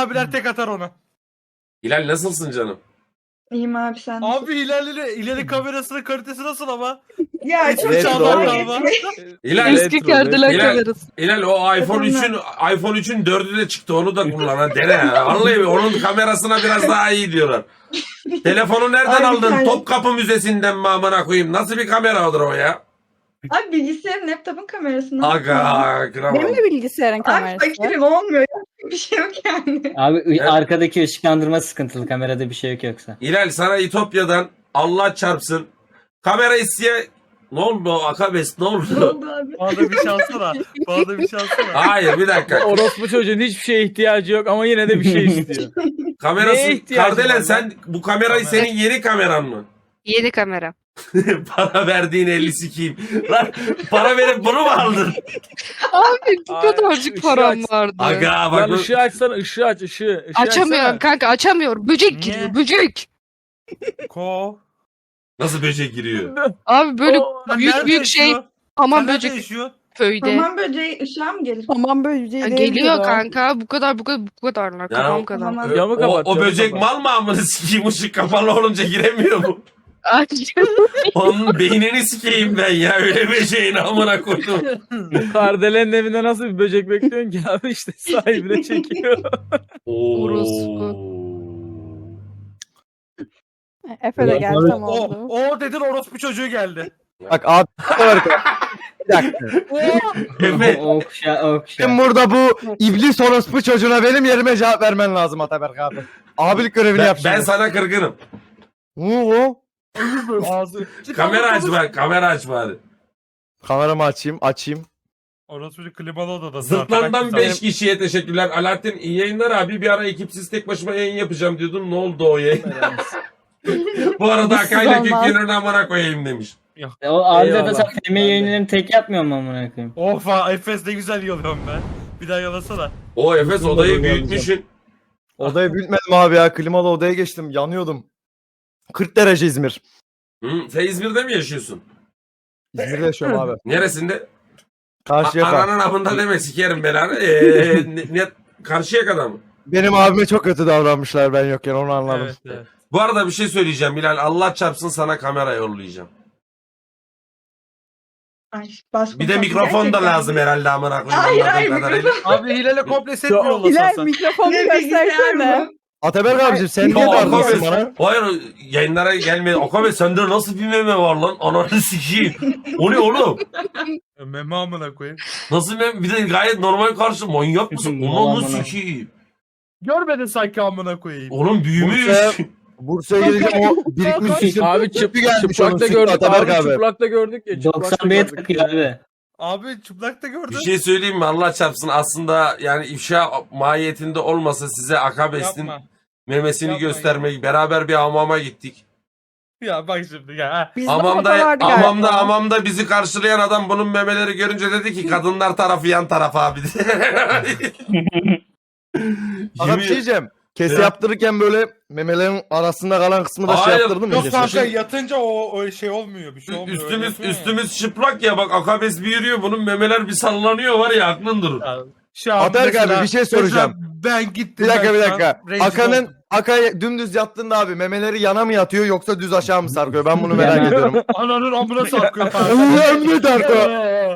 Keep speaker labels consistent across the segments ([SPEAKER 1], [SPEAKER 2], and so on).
[SPEAKER 1] abiler tek atar ona.
[SPEAKER 2] Hilal nasılsın canım?
[SPEAKER 3] İyiyim abi sen.
[SPEAKER 1] Abi ileri kamerasının kalitesi nasıl ama?
[SPEAKER 3] Ya çok
[SPEAKER 1] Retro
[SPEAKER 3] çağlar
[SPEAKER 1] galiba.
[SPEAKER 2] Hilal,
[SPEAKER 4] Eski Cadillac
[SPEAKER 2] Hilal,
[SPEAKER 4] kamerası.
[SPEAKER 2] Hilal o iPhone 3'ün 4'ü de çıktı, onu da kullan ha, dene ya. Vallahi onun kamerasına biraz daha iyi diyorlar. Telefonu nereden
[SPEAKER 3] Abi
[SPEAKER 2] aldın?
[SPEAKER 3] sen-
[SPEAKER 2] Topkapı Müzesi'nden mi amına koyayım? Nasıl bir kameradır o ya?
[SPEAKER 3] Abi bilgisayarın laptopun kamerasını.
[SPEAKER 2] Aga kral.
[SPEAKER 5] Benim de bilgisayarın
[SPEAKER 3] Abi
[SPEAKER 5] kamerası.
[SPEAKER 3] fakirim olmuyor. Ya. Bir şey yok yani.
[SPEAKER 6] Abi
[SPEAKER 2] Evet.
[SPEAKER 6] arkadaki ışıklandırma sıkıntılı, kamerada bir şey yok yoksa.
[SPEAKER 2] Hilal sana İtopya'dan Allah çarpsın. Kamera isteye... Ne oldu o Akabes, ne
[SPEAKER 3] Ne
[SPEAKER 2] oldu?
[SPEAKER 3] oldu abi?
[SPEAKER 1] Bana da bir şansına. Bana da bir şansına.
[SPEAKER 2] Hayır bir dakika.
[SPEAKER 7] Orospu çocuğun hiçbir şeye ihtiyacı yok ama yine de bir şey istiyor.
[SPEAKER 2] Kamerası...
[SPEAKER 7] Neye ihtiyacın
[SPEAKER 2] Kardelen
[SPEAKER 7] var
[SPEAKER 2] sen bu kamerayı
[SPEAKER 1] Kamera.
[SPEAKER 2] senin yeni kameran mı?
[SPEAKER 4] Yeni kamera.
[SPEAKER 2] Para verdiğin 50 sikiyim. Lan para verip bunu mu aldın?
[SPEAKER 4] Abi bu
[SPEAKER 7] Ay,
[SPEAKER 4] kadarcık
[SPEAKER 7] ışığı
[SPEAKER 4] param
[SPEAKER 7] aç.
[SPEAKER 4] vardı.
[SPEAKER 2] Aga bak
[SPEAKER 7] Lan
[SPEAKER 2] bu...
[SPEAKER 7] ışığı açsana, ışığı aç, ışığı.
[SPEAKER 4] Açamıyorum
[SPEAKER 7] açsana.
[SPEAKER 4] kanka, açamıyorum. Böcek
[SPEAKER 1] Niye?
[SPEAKER 4] giriyor, böcek.
[SPEAKER 1] Ko.
[SPEAKER 2] Nasıl böcek giriyor?
[SPEAKER 4] Abi böyle
[SPEAKER 7] O-
[SPEAKER 4] büyük şey
[SPEAKER 1] Sen
[SPEAKER 4] hamam
[SPEAKER 1] nerede
[SPEAKER 4] böcek
[SPEAKER 1] yaşıyor?
[SPEAKER 4] köyde.
[SPEAKER 3] Hamam böceği ışığa mı gelir?
[SPEAKER 5] Aman böyle
[SPEAKER 4] Ya geliyor kanka, bu kadarlar, kafam kadar.
[SPEAKER 3] Hamam.
[SPEAKER 7] Camı
[SPEAKER 2] O,
[SPEAKER 7] kapat.
[SPEAKER 2] o
[SPEAKER 7] camı
[SPEAKER 2] böcek
[SPEAKER 7] kapat.
[SPEAKER 2] mal mı amını sikeyim, ışık kapalı olunca giremiyor mu?
[SPEAKER 4] Ay,
[SPEAKER 2] Onun beynini sikeyim ben ya, öyle böceğin amına koydum.
[SPEAKER 7] Kardelen'in evinde nasıl bir böcek bekliyorsun ki abi, işte sahibine çekiyor.
[SPEAKER 4] Orospu.
[SPEAKER 5] Efe de geldi tam oldu.
[SPEAKER 1] O dedin orospu çocuğu geldi.
[SPEAKER 8] Bak abi bir dakika.
[SPEAKER 2] Efe,
[SPEAKER 6] Okşa.
[SPEAKER 8] Şimdi burada bu iblis orospu çocuğuna benim yerime cevap vermen lazım Ataberk abi. Abilik görevini yap
[SPEAKER 2] ben
[SPEAKER 8] şimdi.
[SPEAKER 2] sana kırgınım.
[SPEAKER 8] Oo.
[SPEAKER 1] Ağzı.
[SPEAKER 2] Kamera aç bak, kamera aç bari.
[SPEAKER 8] Kameramı açayım.
[SPEAKER 1] Orospu çocuğu klimalı odada.
[SPEAKER 2] Zırtlandan 5 kişiye teşekkürler. Alaaddin iyi yayınlar abi. Bir ara ekipsiz tek başıma yayın yapacağım diyordun. Ne oldu o yayın? Bu arada
[SPEAKER 5] Nasıl
[SPEAKER 2] Akay'la
[SPEAKER 5] olmaz?
[SPEAKER 2] Kökken'in amına koyayım demiş.
[SPEAKER 6] O abi
[SPEAKER 7] Eyvallah.
[SPEAKER 6] de sen filmi yayınlarını tek yapmıyor mu amına koyayım?
[SPEAKER 1] Of Efes ne güzel yalıyorum ben. Bir daha yalasana.
[SPEAKER 2] O Efes odayı
[SPEAKER 6] Bunu da
[SPEAKER 2] büyütmüşsün.
[SPEAKER 8] Odayı büyütmedim abi ya. Klimalı odaya geçtim. Yanıyordum. 40 derece İzmir.
[SPEAKER 2] Hı, sen İzmir'de mi yaşıyorsun?
[SPEAKER 8] İzmir'de yaşıyorum abi.
[SPEAKER 2] Neresinde?
[SPEAKER 8] Karşıyaka.
[SPEAKER 2] Ananın amında deme sikerim belanı. Karşıyaka'da mı?
[SPEAKER 8] Benim abime çok kötü davranmışlar ben yokken, onu anladım.
[SPEAKER 1] Evet, evet.
[SPEAKER 2] Bu arada bir şey söyleyeceğim Bilal. Allah çarpsın sana kamera yollayacağım.
[SPEAKER 3] Ay, bas
[SPEAKER 2] Bir de
[SPEAKER 3] bas-
[SPEAKER 2] mikrofon da
[SPEAKER 3] gerçekten.
[SPEAKER 2] lazım herhalde amına koyayım.
[SPEAKER 3] Hayır,
[SPEAKER 2] anladığım
[SPEAKER 3] hayır,
[SPEAKER 2] kadarıyla.
[SPEAKER 1] Abi Hilal'e komple set mi
[SPEAKER 5] İler
[SPEAKER 1] yollasan?
[SPEAKER 5] mikrofonu
[SPEAKER 3] Ne bilgisayar
[SPEAKER 5] göstersene.
[SPEAKER 3] mı?
[SPEAKER 8] Ataberk abicim sen niye
[SPEAKER 2] Ya,
[SPEAKER 8] darlıyorsun
[SPEAKER 2] Akabe,
[SPEAKER 8] bana?
[SPEAKER 2] hayır yayınlara gelmeyin. Akabe sende nasıl bir meme var lan? Ananı sikeyim. O ne oğlum?
[SPEAKER 1] Meme amına koyayım.
[SPEAKER 2] Nasıl meme? Bir de gayet normal karşı. Manyak mısın? Ananı
[SPEAKER 6] Aman.
[SPEAKER 2] sikeyim.
[SPEAKER 1] Görmedin sanki amına koyayım.
[SPEAKER 2] Oğlum büyümüş.
[SPEAKER 8] Bursa'ya gelince o birikmiş sütün
[SPEAKER 7] Abi
[SPEAKER 8] bir gelmiş onun
[SPEAKER 7] çıplakta
[SPEAKER 8] sütü
[SPEAKER 7] gördük
[SPEAKER 8] Ataberk
[SPEAKER 7] abi,
[SPEAKER 8] abi.
[SPEAKER 7] çıplakta gördük ya. çıplakta
[SPEAKER 6] 91'e
[SPEAKER 7] gördük.
[SPEAKER 6] takıyor abi.
[SPEAKER 1] Abi çıplakta gördün.
[SPEAKER 2] Bir şey söyleyeyim mi? Allah çarpsın. Aslında yani ifşa mahiyetinde olmasa size Akabes'in
[SPEAKER 1] Yapma.
[SPEAKER 2] memesini
[SPEAKER 1] Yapma
[SPEAKER 2] göstermek. Beraber bir hamama gittik.
[SPEAKER 1] Ya bak şimdi ya. Ha.
[SPEAKER 5] Bizde foto vardı galiba.
[SPEAKER 2] Hamamda bizi karşılayan adam bunun memeleri görünce dedi ki kadınlar tarafı yan taraf abi.
[SPEAKER 8] Aga bir şey diyeceğim. Kesi
[SPEAKER 2] Ya.
[SPEAKER 8] yaptırırken böyle memelerin arasında kalan kısmı da şey
[SPEAKER 2] Hayır,
[SPEAKER 8] yaptırdın mı?
[SPEAKER 1] Yok
[SPEAKER 8] Kesi?
[SPEAKER 1] kanka yatınca o şey olmuyor. Bir şey olmuyor. öyle
[SPEAKER 2] üstümüz
[SPEAKER 1] yapıyor ya.
[SPEAKER 2] üstümüz çıplak ya, bak Akabes bir yürüyor, bunun memeler bir sallanıyor var ya, aklın durur.
[SPEAKER 1] Ya, Şu an
[SPEAKER 8] Ataberk
[SPEAKER 1] mesela-
[SPEAKER 8] abi bir şey soracağım.
[SPEAKER 1] mesela Ben gittim.
[SPEAKER 8] Bir dakika
[SPEAKER 1] ben
[SPEAKER 8] bir
[SPEAKER 1] şu an
[SPEAKER 8] dakika.
[SPEAKER 1] rencide oldum.
[SPEAKER 8] Akay dümdüz yattığında abi memeleri yana mı yatıyor yoksa düz aşağı mı sarkıyor? Ben bunu merak
[SPEAKER 6] Yana.
[SPEAKER 8] ediyorum.
[SPEAKER 1] Ananın amına sarkıyor.
[SPEAKER 8] Ömrü Darko.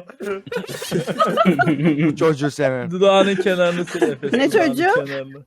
[SPEAKER 8] Çocuğu senin.
[SPEAKER 7] Dudağının kenarını sil Efes.
[SPEAKER 5] Ne
[SPEAKER 7] dudağının
[SPEAKER 5] çocuğu?
[SPEAKER 7] kenarını.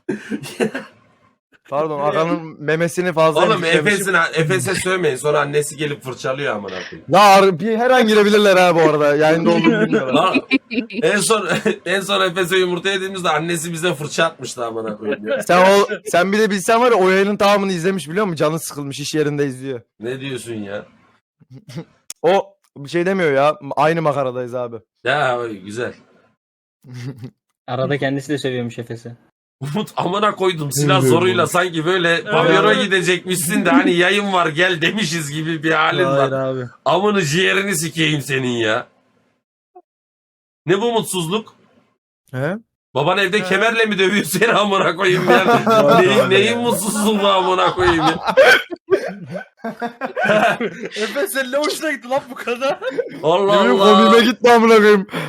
[SPEAKER 8] Pardon Akan'ın memesini fazla
[SPEAKER 2] Oğlum Efes'e sövmeyin, sonra annesi gelip fırçalıyor amına koyayım.
[SPEAKER 8] Ya bir her an girebilirler ha bu arada. Yayında olduğunu bilmiyorlar.
[SPEAKER 2] Lan, en son Efes'e yumurta yediğimizde annesi bize fırça atmıştı amına koyayım ya.
[SPEAKER 8] Sen bir de bilsen var ya o yayının tamamını izlemiş biliyor musun? Canı sıkılmış iş yerinde izliyor.
[SPEAKER 2] Ne diyorsun ya?
[SPEAKER 8] O bir şey demiyor ya. Aynı makaradayız abi.
[SPEAKER 2] Ya güzel.
[SPEAKER 6] Arada kendisi de sövüyormuş Efes'e.
[SPEAKER 2] Umut amına koydum silah zoruyla sanki böyle pavyona gidecekmişsin de hani yayın var gel demişiz gibi bir halin
[SPEAKER 7] Hayır
[SPEAKER 2] var.
[SPEAKER 7] abi.
[SPEAKER 2] Amını ciğerini sikeyim senin ya. Ne bu mutsuzluk?
[SPEAKER 8] He?
[SPEAKER 2] Baban evde kemerle mi dövüyor seni amına koyayım ya? neyin mutsuzluğu amına koyayım ya?
[SPEAKER 1] Efe senin ne hoşuna gitti lan bu kadar?
[SPEAKER 2] Allah
[SPEAKER 8] Benim
[SPEAKER 2] Allah.
[SPEAKER 8] komiğime gitti amına koyayım.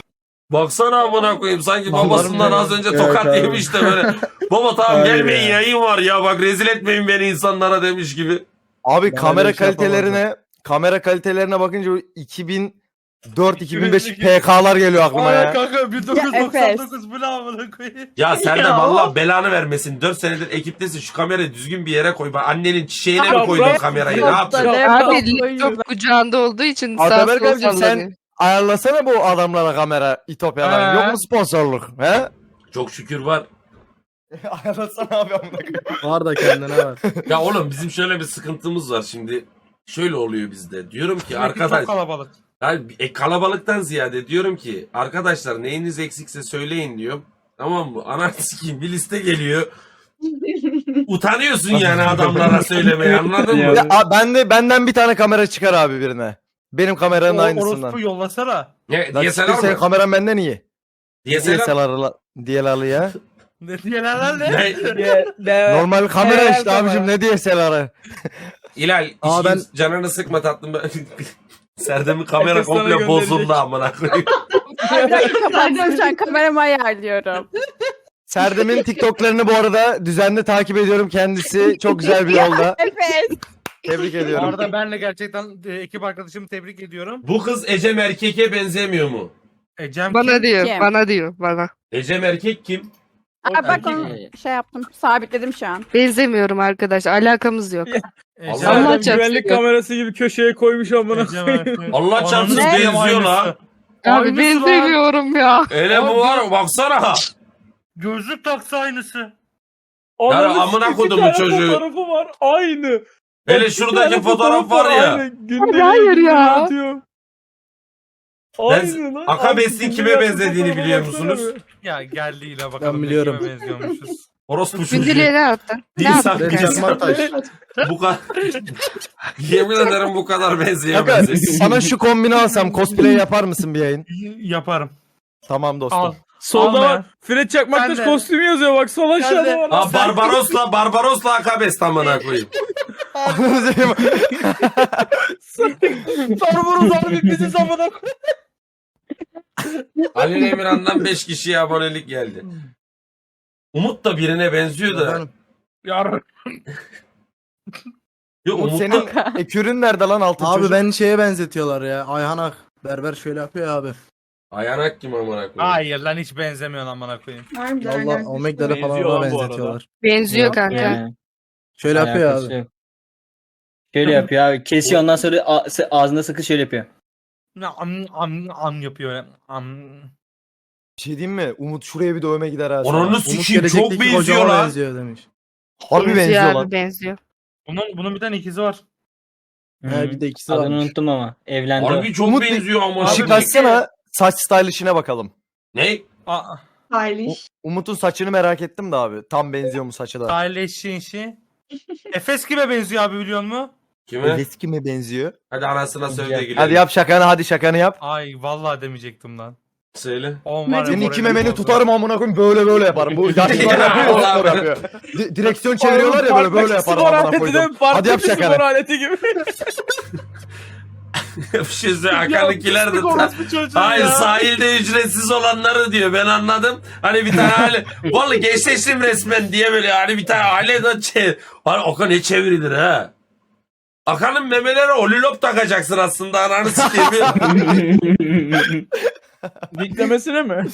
[SPEAKER 2] Baksana amına koyayım sanki
[SPEAKER 8] Vallahi
[SPEAKER 2] babasından az önce
[SPEAKER 6] Evet
[SPEAKER 2] tokat
[SPEAKER 6] abi.
[SPEAKER 2] yemiş de böyle. Baba tamam
[SPEAKER 6] Abi
[SPEAKER 2] gelmeyin
[SPEAKER 6] ya.
[SPEAKER 2] yayın var ya bak rezil etmeyin beni insanlara demiş gibi.
[SPEAKER 8] Abi
[SPEAKER 6] Ben
[SPEAKER 8] kamera
[SPEAKER 6] öyle bir şey
[SPEAKER 8] kamera kalitelerine bakınca 2004-2005 PK'lar geliyor aklıma
[SPEAKER 1] Ay
[SPEAKER 8] ya.
[SPEAKER 1] kanka 1999 bu ne amına koyayım.
[SPEAKER 2] Ya Serdar
[SPEAKER 3] Ya.
[SPEAKER 2] Allah belanı vermesin. 4 senedir ekiptesin şu kamerayı düzgün bir yere koy. Bak annenin çiçeğine mi
[SPEAKER 7] Ya
[SPEAKER 2] koydun
[SPEAKER 7] bırak-
[SPEAKER 2] kamerayı?
[SPEAKER 5] Yok
[SPEAKER 2] Ne yaptın?
[SPEAKER 5] da-
[SPEAKER 4] Abi
[SPEAKER 5] Yok.
[SPEAKER 4] laptop kucağında olduğu için sağ
[SPEAKER 8] Ataberk
[SPEAKER 4] sola
[SPEAKER 8] abicim
[SPEAKER 4] sallanıyor.
[SPEAKER 8] sen ayarlasana bu adamlara kamera İtopya'dan.
[SPEAKER 1] He.
[SPEAKER 8] Yok mu sponsorluk? He?
[SPEAKER 2] Çok şükür var.
[SPEAKER 8] Ayarlasana abi amına koyayım.
[SPEAKER 9] Var da kendine var.
[SPEAKER 2] Ya oğlum bizim şöyle bir sıkıntımız var şimdi. Şöyle oluyor bizde. Diyorum ki arkadaş.
[SPEAKER 1] Çok kalabalık.
[SPEAKER 2] Yani, kalabalıktan ziyade diyorum ki arkadaşlar neyiniz eksikse söyleyin diyorum. Tamam mı? Ananı sikeyim bir liste geliyor. Utanıyorsun yani adamlara söylemeye anladın mı?
[SPEAKER 6] Ya.
[SPEAKER 8] Ya, benden bir tane kamera çıkar abi birine. Benim kameranın aynısından.
[SPEAKER 1] Orospu yollasana.
[SPEAKER 2] Ne?
[SPEAKER 8] Lan
[SPEAKER 2] DSLR
[SPEAKER 8] siktir, senin
[SPEAKER 2] mı?
[SPEAKER 8] kameran benden iyi.
[SPEAKER 2] DSLR.
[SPEAKER 8] DSLR'lı ya.
[SPEAKER 1] Ne diyeler ne?
[SPEAKER 2] Ne?
[SPEAKER 8] Normal kamera
[SPEAKER 7] Evet,
[SPEAKER 8] işte abicim ne DSLR'ı.
[SPEAKER 2] İlal
[SPEAKER 9] Aa, ben-
[SPEAKER 2] canını sıkma tatlım. Serdem'in kamera
[SPEAKER 7] Herkes sana
[SPEAKER 2] komple
[SPEAKER 7] gönderecek.
[SPEAKER 2] bozuldu amına koyayım.
[SPEAKER 5] Kapattım şu an kameramı ayarlıyorum.
[SPEAKER 8] Serdem'in TikTok'larını bu arada düzenli takip ediyorum kendisi. Çok güzel bir yolda.
[SPEAKER 5] Efes.
[SPEAKER 8] Tebrik
[SPEAKER 1] Bu
[SPEAKER 8] ediyorum.
[SPEAKER 1] arada ben de gerçekten ekip arkadaşımı tebrik ediyorum.
[SPEAKER 2] Bu kız Ecem Erkek'e benzemiyor mu?
[SPEAKER 1] Cem
[SPEAKER 4] Bana
[SPEAKER 1] kim?
[SPEAKER 4] diyor,
[SPEAKER 5] Kim?
[SPEAKER 4] bana diyor, bana.
[SPEAKER 2] Ecem Erkek kim?
[SPEAKER 5] Aa, bak
[SPEAKER 1] erkek
[SPEAKER 5] onu
[SPEAKER 6] mi?
[SPEAKER 5] şey yaptım. Sabitledim şu an.
[SPEAKER 4] Benzemiyorum arkadaş, alakamız yok.
[SPEAKER 2] Allah
[SPEAKER 1] Cem-
[SPEAKER 2] Allah.
[SPEAKER 7] Adam
[SPEAKER 4] çarpsın
[SPEAKER 7] güvenlik
[SPEAKER 4] ya.
[SPEAKER 7] kamerası gibi köşeye koymuş amına
[SPEAKER 1] Cem
[SPEAKER 7] koyayım.
[SPEAKER 1] Erkek.
[SPEAKER 2] Allah çarpsın
[SPEAKER 1] Ananı sikeyim
[SPEAKER 2] benziyor lan.
[SPEAKER 1] aynısı.
[SPEAKER 4] Abi
[SPEAKER 1] Aynısı lan.
[SPEAKER 4] benzemiyorum ya.
[SPEAKER 2] Öyle bu var baksana.
[SPEAKER 1] Gözlük taksa aynısı.
[SPEAKER 7] Ananı
[SPEAKER 2] amına
[SPEAKER 7] sikeyim,
[SPEAKER 2] kodumun
[SPEAKER 7] bir tane
[SPEAKER 2] çocuğu.
[SPEAKER 7] Fotoğrafı var aynı.
[SPEAKER 2] Hele
[SPEAKER 7] Bak, bir
[SPEAKER 2] şuradaki
[SPEAKER 7] tane
[SPEAKER 2] fotoğraf var ya.
[SPEAKER 7] aynı. Günde
[SPEAKER 4] hayır
[SPEAKER 7] bir
[SPEAKER 4] ya.
[SPEAKER 7] atıyor. Aynı lan.
[SPEAKER 2] Akabes'in
[SPEAKER 7] Abi,
[SPEAKER 2] kime
[SPEAKER 7] dünya
[SPEAKER 2] benzediğini
[SPEAKER 7] fotoğrafa
[SPEAKER 2] biliyor
[SPEAKER 7] baksana
[SPEAKER 2] musunuz?
[SPEAKER 7] bir.
[SPEAKER 1] Ya geldi yine bakalım.
[SPEAKER 9] Ben biliyorum.
[SPEAKER 1] kime benziyormuşuz.
[SPEAKER 2] Orospu çocuğu.
[SPEAKER 4] Gündeliğe ne attın? Ne
[SPEAKER 2] İnsan-
[SPEAKER 4] yaptın?
[SPEAKER 9] Ben Çakmaktaş.
[SPEAKER 2] Bu kadar. Yemin ederim bu kadar
[SPEAKER 8] Kanka
[SPEAKER 2] benzeyemez.
[SPEAKER 8] sana şu kombini alsam cosplay yapar mısın bir yayın?
[SPEAKER 1] Yaparım.
[SPEAKER 8] Tamam dostum.
[SPEAKER 1] Al.
[SPEAKER 7] Solda
[SPEAKER 1] Al
[SPEAKER 7] var.
[SPEAKER 1] be.
[SPEAKER 7] Fred Çakmaktaş
[SPEAKER 1] Ben de.
[SPEAKER 7] kostümü yazıyor bak sol aşağıda
[SPEAKER 1] de.
[SPEAKER 7] var.
[SPEAKER 2] Ha Barbaros'la Akabes amına koyayım.
[SPEAKER 1] Sarvuruz abi bizi zamana koy.
[SPEAKER 2] Ali Emirhan'dan 5 kişiye abonelik geldi. Umut da birine benziyor da.
[SPEAKER 9] Efendim?
[SPEAKER 1] Yar.
[SPEAKER 2] Yok
[SPEAKER 8] Umut
[SPEAKER 2] Umut
[SPEAKER 8] senin ekürün nerede lan altın
[SPEAKER 9] Abi
[SPEAKER 8] çocuk?
[SPEAKER 9] ben şeye benzetiyorlar ya. Ayhan Ak. Berber şöyle yapıyor ya abi.
[SPEAKER 2] Ayanak kim amına koyayım?
[SPEAKER 1] Hayır lan hiç benzemiyor amına koyayım.
[SPEAKER 3] Harbiden
[SPEAKER 9] Valla
[SPEAKER 3] gerçekten.
[SPEAKER 9] Omegle'de falan
[SPEAKER 7] Benziyor
[SPEAKER 9] ona
[SPEAKER 7] lan bu arada.
[SPEAKER 9] benzetiyorlar.
[SPEAKER 4] Benziyor
[SPEAKER 6] Yok
[SPEAKER 4] kanka.
[SPEAKER 6] yani.
[SPEAKER 9] Şöyle yapıyor
[SPEAKER 6] Alakası
[SPEAKER 9] abi.
[SPEAKER 6] yok. Şöyle yapıyor abi. Kesiyor ondan sonra ağzında sakız şöyle yapıyor.
[SPEAKER 1] Ne am yapıyor öyle.
[SPEAKER 8] Bir şey diyeyim mi? Umut şuraya bir dövme gider ha. sana.
[SPEAKER 2] Oranı
[SPEAKER 9] Umut
[SPEAKER 2] sikiyim çok
[SPEAKER 9] gelecekteki
[SPEAKER 2] benziyor
[SPEAKER 9] kocama
[SPEAKER 2] lan.
[SPEAKER 9] benziyor demiş.
[SPEAKER 8] Harbi benziyor
[SPEAKER 4] abi,
[SPEAKER 8] lan.
[SPEAKER 4] benziyor.
[SPEAKER 1] Bunun bir tane ikizi var.
[SPEAKER 9] He bir de ikisi
[SPEAKER 6] Adını
[SPEAKER 9] varmış.
[SPEAKER 6] unuttum ama. Evlendi o.
[SPEAKER 2] Harbi çok
[SPEAKER 8] Umut
[SPEAKER 2] benziyor ama.
[SPEAKER 8] Işık
[SPEAKER 1] Abi,
[SPEAKER 8] açsana saç stylish'ine bakalım.
[SPEAKER 2] Ne?
[SPEAKER 1] Aa,
[SPEAKER 3] Stylish.
[SPEAKER 8] Umut'un saçını merak ettim de abi. Tam benziyor mu saçı da?
[SPEAKER 1] Stylish işi. Efes kime benziyor abi biliyor musun?
[SPEAKER 2] Kime?
[SPEAKER 8] Eski mi benziyor?
[SPEAKER 2] Hadi anasına söyle de gidelim.
[SPEAKER 8] Hadi yap şakanı hadi şakanı yap.
[SPEAKER 1] Ay vallahi demeyecektim lan.
[SPEAKER 2] Söyle.
[SPEAKER 1] On var ya,
[SPEAKER 8] Senin iki
[SPEAKER 1] moralim
[SPEAKER 8] memeni
[SPEAKER 1] bozdu.
[SPEAKER 8] tutarım amına koyayım böyle yaparım. Bu yaşlılar yapıyor, spor yapıyor. Direksiyon çeviriyorlar ya böyle yaparım amına koydum. Hadi yap
[SPEAKER 7] Spor
[SPEAKER 8] şakanı.
[SPEAKER 7] aleti gibi.
[SPEAKER 2] Bir şey söyle Hakan'ınkiler de hayır sahilde ücretsiz olanları diyor ben anladım. Hani bir tane aile vallahi gençleştim resmen diye böyle hani bir tane aile de hani Okan ne çevirilir ha. Akan'ın memeleri olilop takacaksın aslında ananı sikeyim.
[SPEAKER 7] Diklemesine mi?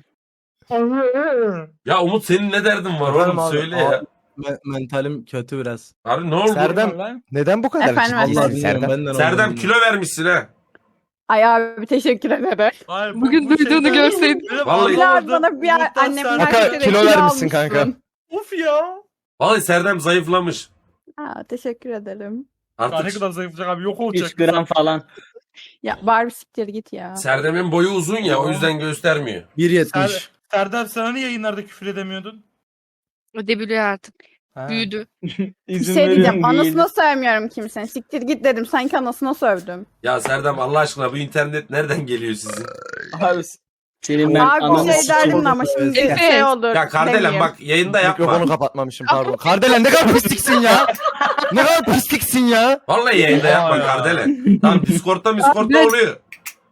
[SPEAKER 2] Ya Umut senin ne derdin var
[SPEAKER 9] Efendim
[SPEAKER 2] oğlum
[SPEAKER 9] abi,
[SPEAKER 2] söyle ya.
[SPEAKER 9] Mentalim kötü biraz.
[SPEAKER 2] Abi ne oldu?
[SPEAKER 8] Serdem neden bu kadar
[SPEAKER 5] Efendim,
[SPEAKER 8] ciddisin
[SPEAKER 9] Vallahi bilmiyorum
[SPEAKER 8] Serdem?
[SPEAKER 9] benden
[SPEAKER 2] Serdem
[SPEAKER 9] olmadı.
[SPEAKER 2] kilo vermişsin ha.
[SPEAKER 5] Ay abi teşekkür ederim.
[SPEAKER 1] Hayır,
[SPEAKER 4] Bugün duyduğunu görseydin.
[SPEAKER 2] Vallahi-
[SPEAKER 5] Bilal bana bir
[SPEAKER 1] Umut'tan
[SPEAKER 5] annemin
[SPEAKER 8] Kanka,
[SPEAKER 5] erkekleri
[SPEAKER 8] kilo vermişsin
[SPEAKER 5] almışsın.
[SPEAKER 8] kanka.
[SPEAKER 1] Uf ya.
[SPEAKER 2] Vallahi Serdem zayıflamış.
[SPEAKER 5] Aa, teşekkür ederim.
[SPEAKER 1] Daha ne
[SPEAKER 2] Artık
[SPEAKER 1] kadar zayıflayacak abi yok olacak.
[SPEAKER 6] 3 gram falan.
[SPEAKER 5] Ya Barbie siktir git ya.
[SPEAKER 2] Serdem'in boyu uzun ya o yüzden göstermiyor.
[SPEAKER 9] 1.70.
[SPEAKER 1] Serdar sana niye yayınlarda küfür edemiyordun?
[SPEAKER 4] Ödebiliyor artık.
[SPEAKER 1] Ha.
[SPEAKER 4] Büyüdü.
[SPEAKER 5] Bir
[SPEAKER 6] İzin
[SPEAKER 5] şey diyeceğim.
[SPEAKER 6] veriyorum diye.
[SPEAKER 5] Anasına sövmüyorum kimsenin. Siktir git dedim. Sanki anasına sövdüm.
[SPEAKER 2] Ya Serdem Allah aşkına bu internet nereden geliyor sizin?
[SPEAKER 7] Abi
[SPEAKER 6] Senin ben
[SPEAKER 5] Abi bir
[SPEAKER 6] ananı
[SPEAKER 5] şey
[SPEAKER 6] sikeyim.
[SPEAKER 5] derdim ama şimdi
[SPEAKER 4] Evet.
[SPEAKER 5] şey olur.
[SPEAKER 2] Ya Kardelen
[SPEAKER 5] demeyeyim.
[SPEAKER 2] bak yayında yapma.
[SPEAKER 8] Mikrofonu kapatmamışım pardon. Kardelen ne kadar pisliksin ya. Ne kadar pisliksin ya.
[SPEAKER 2] Vallahi yayında yapma
[SPEAKER 1] Ya.
[SPEAKER 2] Kardelen. Tamam Discord'da
[SPEAKER 4] Abi-
[SPEAKER 2] oluyor.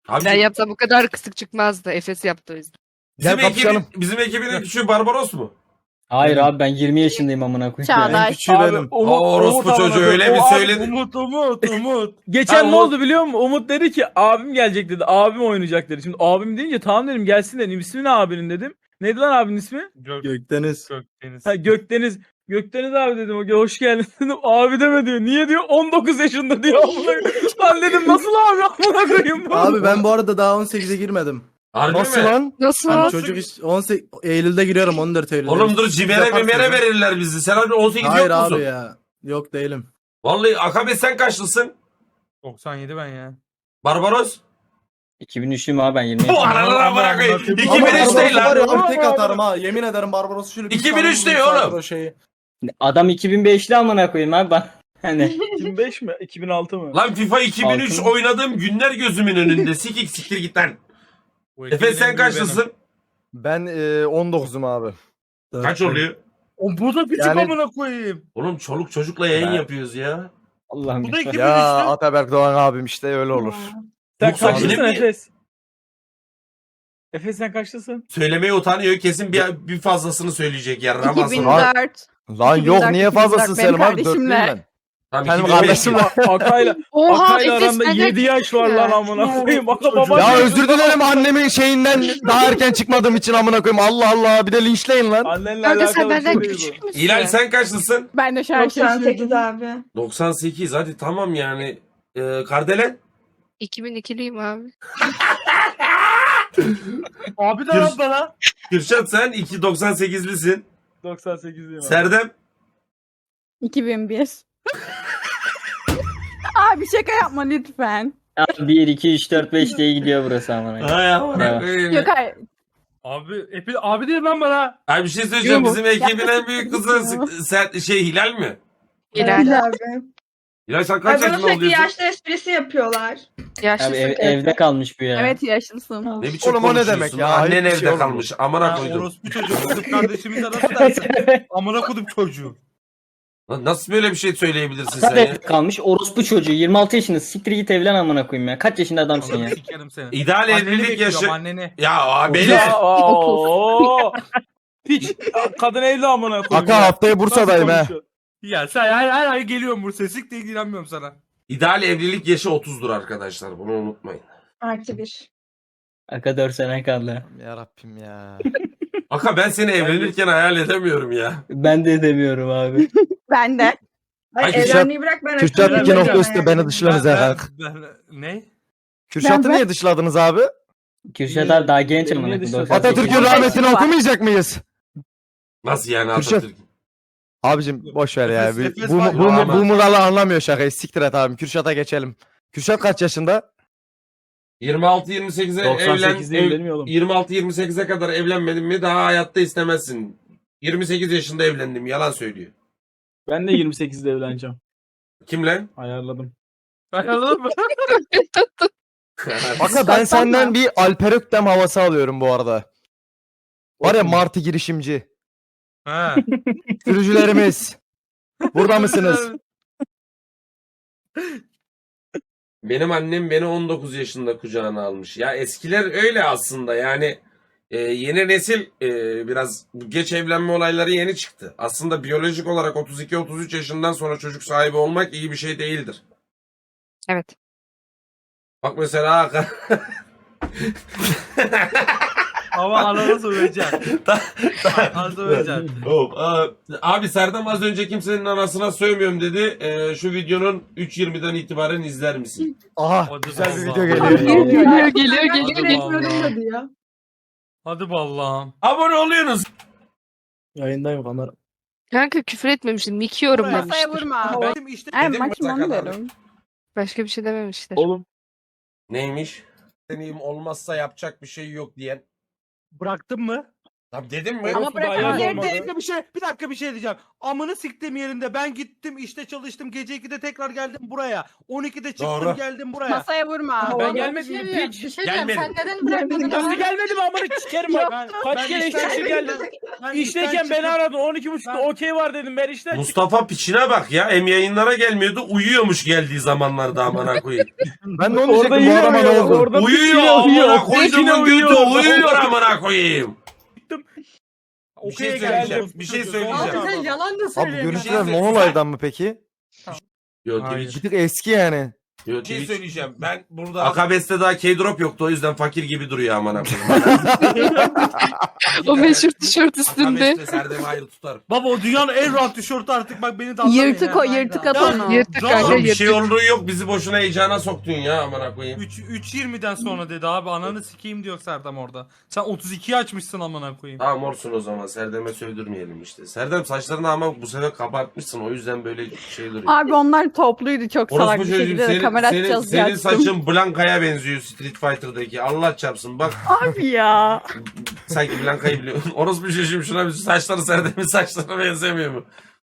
[SPEAKER 2] Abi,
[SPEAKER 4] Ben yapsam bu kadar kısık çıkmazdı. Efes yaptı o yüzden.
[SPEAKER 8] Gel kapışalım.
[SPEAKER 2] bizim ekibin küçüğü Barbaros mu?
[SPEAKER 6] Hayır abi ben 20 yaşındayım amına koyayım.
[SPEAKER 5] Çağdaş.
[SPEAKER 9] Küçüğü
[SPEAKER 7] Abi,
[SPEAKER 9] benim.
[SPEAKER 2] Orospu
[SPEAKER 7] amına
[SPEAKER 2] çocuğu
[SPEAKER 7] koyayım.
[SPEAKER 2] öyle bir
[SPEAKER 7] O abi-
[SPEAKER 2] söyledi.
[SPEAKER 1] Umut.
[SPEAKER 7] Geçen
[SPEAKER 2] Ha,
[SPEAKER 7] ne
[SPEAKER 2] Umut-
[SPEAKER 7] oldu biliyor musun? Umut dedi ki abim gelecek dedi. Abim oynayacak dedi. Şimdi abim deyince tamam dedim gelsin dedim. İsmi ne abinin dedim. Neydi lan abinin ismi?
[SPEAKER 9] Gökdeniz.
[SPEAKER 1] Gökdeniz.
[SPEAKER 7] Ha Gökdeniz. Gökdeniz abi dedim. O hoş geldin dedim. Abi deme diyor. Niye diyor? 19 yaşında diyor. Amına koyayım. Lan dedim nasıl abi amına koyayım bu?
[SPEAKER 9] Abi ben bu arada daha 18'e girmedim.
[SPEAKER 2] Harbi
[SPEAKER 8] Nasıl
[SPEAKER 2] mi?
[SPEAKER 8] lan?
[SPEAKER 4] Nasıl?
[SPEAKER 9] Hani
[SPEAKER 4] Nasıl?
[SPEAKER 9] çocuk 18 Eylül'de giriyorum 14 Eylül'de.
[SPEAKER 2] Oğlum dur cimere
[SPEAKER 9] Yaparsın
[SPEAKER 2] mimere
[SPEAKER 9] ya.
[SPEAKER 2] verirler bizi. Sen abi 18
[SPEAKER 9] Hayır
[SPEAKER 2] yok musun?
[SPEAKER 9] abi ya. Yok değilim.
[SPEAKER 2] Vallahi Akabe sen kaçlısın?
[SPEAKER 1] 97 ben ya.
[SPEAKER 2] Barbaros?
[SPEAKER 6] 2003'lüyüm abi ben 20
[SPEAKER 2] Bu
[SPEAKER 6] yaşındayım.
[SPEAKER 2] aralara bırakayım.
[SPEAKER 1] Ama
[SPEAKER 2] 2003
[SPEAKER 9] Barbaros'u
[SPEAKER 2] değil
[SPEAKER 9] var ya,
[SPEAKER 2] lan.
[SPEAKER 9] abi tek atarım ha. Yemin ederim Barbaros'u şöyle
[SPEAKER 2] 2003
[SPEAKER 9] tane
[SPEAKER 2] değil
[SPEAKER 9] vurayım,
[SPEAKER 2] oğlum.
[SPEAKER 9] o şeyi.
[SPEAKER 6] Adam 2005'li amına koyayım abi ben. Hani
[SPEAKER 7] 2005 mi? 2006 mı?
[SPEAKER 2] Lan FIFA 2003
[SPEAKER 6] Altın.
[SPEAKER 2] oynadığım günler gözümün önünde. Siktir git lan.
[SPEAKER 1] Bu
[SPEAKER 2] Efe
[SPEAKER 1] ekibin
[SPEAKER 2] sen
[SPEAKER 1] en büyüğü benim.
[SPEAKER 2] kaçlısın?
[SPEAKER 8] Ben 19'um abi.
[SPEAKER 2] Kaç oluyor?
[SPEAKER 1] O bu da küçük
[SPEAKER 8] Yani-
[SPEAKER 1] amına koyayım.
[SPEAKER 2] Oğlum çoluk çocukla yayın
[SPEAKER 6] Ben-
[SPEAKER 2] yapıyoruz ya.
[SPEAKER 6] Allah'ım.
[SPEAKER 1] Bu da
[SPEAKER 6] lütfen.
[SPEAKER 1] 2003'tü.
[SPEAKER 8] Ya Ataberk Doğan abim işte öyle olur.
[SPEAKER 7] Sen
[SPEAKER 2] Yoksa
[SPEAKER 7] kaçlısın
[SPEAKER 2] benim mi?
[SPEAKER 7] Efes? Efes sen kaçlısın?
[SPEAKER 2] Söylemeye utanıyor. Kesin bir fazlasını söyleyecek ya. Ramazan.
[SPEAKER 5] 2004.
[SPEAKER 8] Lan yok
[SPEAKER 5] 2004,
[SPEAKER 8] niye fazlasın
[SPEAKER 5] 2004
[SPEAKER 8] Selim abi?
[SPEAKER 5] benim
[SPEAKER 8] 4'lüyüm
[SPEAKER 5] kardeşimle.
[SPEAKER 8] ben.
[SPEAKER 2] Tamam,
[SPEAKER 8] Benim
[SPEAKER 2] 2005
[SPEAKER 8] kardeşimle.
[SPEAKER 7] Akay'la
[SPEAKER 4] Oha
[SPEAKER 7] Akay'la
[SPEAKER 4] Efes
[SPEAKER 7] aranda
[SPEAKER 4] benden
[SPEAKER 7] 7 yaş var lan amına koyayım. Aka baba.
[SPEAKER 8] Ya özür dilerim annemin şeyinden daha erken çıkmadığım için amına koyayım. Allah Allah bir de linçleyin lan.
[SPEAKER 7] Annenle
[SPEAKER 4] Kanka
[SPEAKER 7] alakalı
[SPEAKER 4] sen
[SPEAKER 7] bir
[SPEAKER 4] benden
[SPEAKER 7] şey değil
[SPEAKER 4] küçük
[SPEAKER 7] bu.
[SPEAKER 4] müsün?
[SPEAKER 2] İlal sen kaçlısın?
[SPEAKER 5] Ben de şarkı
[SPEAKER 3] 98 abi.
[SPEAKER 2] 98 hadi tamam yani. Kardelen?
[SPEAKER 4] 2002'liyim abi.
[SPEAKER 1] Abi de
[SPEAKER 2] Gür-
[SPEAKER 1] lan bana.
[SPEAKER 2] Kürşat sen 98'lisin.
[SPEAKER 7] 98'liyim abi.
[SPEAKER 2] Serdem?
[SPEAKER 5] 2001. Abi şaka yapma lütfen.
[SPEAKER 6] Abi 1, 2, 3, 4, 5 diye gidiyor burası amına koyayım.
[SPEAKER 2] Ay amına
[SPEAKER 6] Evet.
[SPEAKER 2] koyayım.
[SPEAKER 5] Yok hayır.
[SPEAKER 1] Abi değil lan bana.
[SPEAKER 2] Abi bir şey söyleyeceğim.
[SPEAKER 5] Yok.
[SPEAKER 2] Bizim ekibin en büyük kızı
[SPEAKER 5] Yok.
[SPEAKER 2] Hilal mi?
[SPEAKER 4] İleride.
[SPEAKER 3] Abi.
[SPEAKER 2] Hilal sen
[SPEAKER 3] Ay
[SPEAKER 2] kaç
[SPEAKER 3] bana
[SPEAKER 2] yaşında
[SPEAKER 3] sürekli
[SPEAKER 2] oluyorsun?
[SPEAKER 3] yaşlı esprisi yapıyorlar.
[SPEAKER 4] Yaşlısın.
[SPEAKER 6] Abi evde kalmış bu ya.
[SPEAKER 5] Evet yaşlısın.
[SPEAKER 2] Ne biçim
[SPEAKER 8] Oğlum o ne
[SPEAKER 2] konuşuyorsun
[SPEAKER 8] demek
[SPEAKER 2] lan?
[SPEAKER 8] ya?
[SPEAKER 2] Annen
[SPEAKER 8] Ayıp bir
[SPEAKER 2] evde
[SPEAKER 8] şey oğlum.
[SPEAKER 2] kalmış. Amına
[SPEAKER 1] Ha,
[SPEAKER 2] koydum.
[SPEAKER 1] orospu çocuğu. Kız kardeşimize nasıl dersin? Amına koydum çocuğu.
[SPEAKER 2] Lan nasıl böyle bir şey söyleyebilirsin sen
[SPEAKER 6] Zaten
[SPEAKER 2] ya?
[SPEAKER 6] evde kalmış orospu çocuğu 26 yaşında siktir git evlen amına koyayım ya. Kaç yaşında adamsın ya?
[SPEAKER 1] Sikerim seni.
[SPEAKER 2] İdeal
[SPEAKER 1] Anneni
[SPEAKER 2] evlilik
[SPEAKER 1] bekliyorum,
[SPEAKER 2] yaşı.
[SPEAKER 1] anneni.
[SPEAKER 2] Ya abi
[SPEAKER 7] Ya,
[SPEAKER 2] beyler.
[SPEAKER 7] ooo. Piç. Kadın evli amına koyayım.
[SPEAKER 8] Aka
[SPEAKER 7] ya.
[SPEAKER 8] haftaya Bursa'dayım
[SPEAKER 7] Nasıl
[SPEAKER 8] he.
[SPEAKER 7] konuşuyor?
[SPEAKER 1] Ya sen her ay geliyorum Bursa'ya. Siktir ilgilenmiyorum sana.
[SPEAKER 2] İdeal evlilik yaşı 30'dur arkadaşlar. Bunu unutmayın.
[SPEAKER 3] +1.
[SPEAKER 6] Aka 4 sene kaldı.
[SPEAKER 8] Ya Rabbim ya.
[SPEAKER 2] Aka ben seni evlenirken hayal edemiyorum ya.
[SPEAKER 6] Ben de demiyorum abi.
[SPEAKER 5] Ben de.
[SPEAKER 3] Ay
[SPEAKER 2] Ay,
[SPEAKER 3] evlenmeyi bırak ben
[SPEAKER 8] Kürşat
[SPEAKER 3] açıyorum.
[SPEAKER 8] 2.3'te beni dışladınız ya.
[SPEAKER 1] Ne?
[SPEAKER 8] Kürşat'ı
[SPEAKER 5] Ben-
[SPEAKER 8] niye dışladınız abi?
[SPEAKER 6] Kürşat abi daha genç
[SPEAKER 7] Beni
[SPEAKER 6] amına
[SPEAKER 7] niye
[SPEAKER 6] koyayım.
[SPEAKER 7] dışladın?
[SPEAKER 6] 98.
[SPEAKER 8] Atatürk'ün rahmetini okumayacak mıyız?
[SPEAKER 2] Nasıl yani
[SPEAKER 8] Kürşat.
[SPEAKER 2] Atatürk?
[SPEAKER 8] Abicim boş ver ya.
[SPEAKER 1] Efes
[SPEAKER 8] Bu
[SPEAKER 1] var ya,
[SPEAKER 2] ama.
[SPEAKER 8] Muralı anlamıyor şakayı. Siktir et abim. Kürşat'a geçelim. Kürşat kaç yaşında?
[SPEAKER 2] 26-28'e
[SPEAKER 7] 98 değil
[SPEAKER 2] evlen.
[SPEAKER 7] mi oğlum?
[SPEAKER 2] 26-28'e kadar evlenmedin mi daha hayatta istemezsin. 28 yaşında evlendim. Yalan söylüyor.
[SPEAKER 7] Ben de 28'de evleneceğim.
[SPEAKER 2] Kim lan?
[SPEAKER 7] Ayarladım.
[SPEAKER 1] Anladın mı?
[SPEAKER 8] Aka ben senden bir Alper Öktem havası alıyorum bu arada. Var ya Martı girişimci.
[SPEAKER 1] Ha.
[SPEAKER 8] Sürücülerimiz. Burada mısınız?
[SPEAKER 2] Benim annem beni 19 yaşında kucağına almış. Ya eskiler öyle aslında yani yeni nesil biraz geç evlenme olayları yeni çıktı. Aslında biyolojik olarak 32-33 yaşından sonra çocuk sahibi olmak iyi bir şey değildir.
[SPEAKER 4] Evet.
[SPEAKER 2] Bak mesela
[SPEAKER 1] Ama anana söyleyeceğim. Anana söyleyeceğim.
[SPEAKER 2] Abi Serdem az önce kimsenin anasına sövmüyorum dedi. Şu videonun 3.20'den itibaren izler misin?
[SPEAKER 8] Aha
[SPEAKER 1] Hadi
[SPEAKER 8] güzel bir
[SPEAKER 1] vallahi.
[SPEAKER 8] video geliyor.
[SPEAKER 4] Geliyor.
[SPEAKER 3] Ya.
[SPEAKER 1] Hadi Allah'ım.
[SPEAKER 2] Abone oluyorsunuz.
[SPEAKER 9] Yayındayım kamera.
[SPEAKER 4] Kanka küfür etmemiştim. Mikiyorum
[SPEAKER 1] Masaya
[SPEAKER 5] Masaya
[SPEAKER 4] demiştir.
[SPEAKER 5] vurma.
[SPEAKER 1] Ben işte
[SPEAKER 5] Ay
[SPEAKER 2] Dedim
[SPEAKER 5] maçım onu
[SPEAKER 2] kadar.
[SPEAKER 5] derim.
[SPEAKER 4] Başka bir şey dememiştir.
[SPEAKER 7] Oğlum.
[SPEAKER 2] Neymiş? Deneyim olmazsa yapacak bir şey yok diyen.
[SPEAKER 1] bıraktın mı?
[SPEAKER 2] Abi dedim mi?
[SPEAKER 5] Ama bırakın
[SPEAKER 7] Ayaz olmadı.
[SPEAKER 9] Bir dakika bir şey diyeceğim. Amını siktim yerinde. Ben gittim işte çalıştım. Gece 2'de tekrar geldim buraya. 12'de çıktım
[SPEAKER 2] Doğru.
[SPEAKER 9] geldim buraya.
[SPEAKER 5] Masaya vurma.
[SPEAKER 7] Ben gelmedim mi piç?
[SPEAKER 10] Bir şey
[SPEAKER 2] Gelmedim.
[SPEAKER 10] diyeceğim. Sen neden bırakmadın?
[SPEAKER 7] Nasıl gelmedim amına sikerim bak. Kaç kere işten geldim. İşteyken beni aradın 12.30'da okey var dedim ben işten çıktım.
[SPEAKER 2] Mustafa piçine bak ya. Hem yayınlara gelmiyordu. Uyuyormuş geldiği zamanlarda amına koyayım.
[SPEAKER 8] Ben de onu
[SPEAKER 7] Orada
[SPEAKER 8] diyecektim bu
[SPEAKER 7] yine
[SPEAKER 8] arama ne
[SPEAKER 7] uyuyor.
[SPEAKER 8] oldu?
[SPEAKER 7] Orada
[SPEAKER 2] Uyuyor
[SPEAKER 7] piçine uyuyor.
[SPEAKER 2] amına koyduğumun götü.
[SPEAKER 7] uyuyor.
[SPEAKER 2] Uyuyor amına koyayım. Bir şey
[SPEAKER 7] Okey'e
[SPEAKER 2] söyleyeceğim.
[SPEAKER 7] geldim.
[SPEAKER 2] Bir şey
[SPEAKER 10] Abi
[SPEAKER 2] söyleyeceğim.
[SPEAKER 10] sen yalan da
[SPEAKER 8] Abi
[SPEAKER 10] söylüyorsun.
[SPEAKER 8] görüntüler
[SPEAKER 2] Şey-
[SPEAKER 8] Monolay'dan mı peki?
[SPEAKER 2] Yo
[SPEAKER 9] Hayır.
[SPEAKER 2] Twitch.
[SPEAKER 8] Bir tık eski yani.
[SPEAKER 2] Yo
[SPEAKER 1] Bir şey
[SPEAKER 2] Twitch.
[SPEAKER 1] söyleyeceğim. Ben burada
[SPEAKER 2] Akabes'te daha K-drop yoktu o yüzden fakir gibi duruyor amına koyayım.
[SPEAKER 4] O meşhur tişört üstünde.
[SPEAKER 2] Akabes'te Serdem'i ayrı tutarım.
[SPEAKER 9] Baba o dünyanın en rahat tişörtü artık bak beni de anlamayın
[SPEAKER 5] Yırtık
[SPEAKER 9] ya.
[SPEAKER 5] o yırtık at onu.
[SPEAKER 4] Yırtık
[SPEAKER 9] Rahat.
[SPEAKER 4] kanka
[SPEAKER 2] Oğlum bir şey
[SPEAKER 4] yırtık.
[SPEAKER 2] olduğu yok bizi boşuna heyecana soktun ya amına koyayım.
[SPEAKER 9] 3.20'den sonra dedi abi ananı sikeyim diyor Serdem orada. Sen 32'yi açmışsın amına koyayım.
[SPEAKER 2] Tamam olsun o zaman Serdem'e sövdürmeyelim işte. Serdem saçlarını ama bu sefer kabartmışsın o yüzden böyle şey duruyor.
[SPEAKER 5] Abi onlar topluydu çok salak bir
[SPEAKER 2] çocuğum,
[SPEAKER 5] şekilde de kamera açacağız diye
[SPEAKER 2] senin
[SPEAKER 5] açtım.
[SPEAKER 2] saçın Blanka'ya benziyor Street Fighter'daki. Allah çarpsın bak
[SPEAKER 5] Abi ya.
[SPEAKER 2] sanki Blanka'yı biliyorsun. Orospu çocuğum şuna bir saçları Serdem'in saçlarına benzemiyor mu?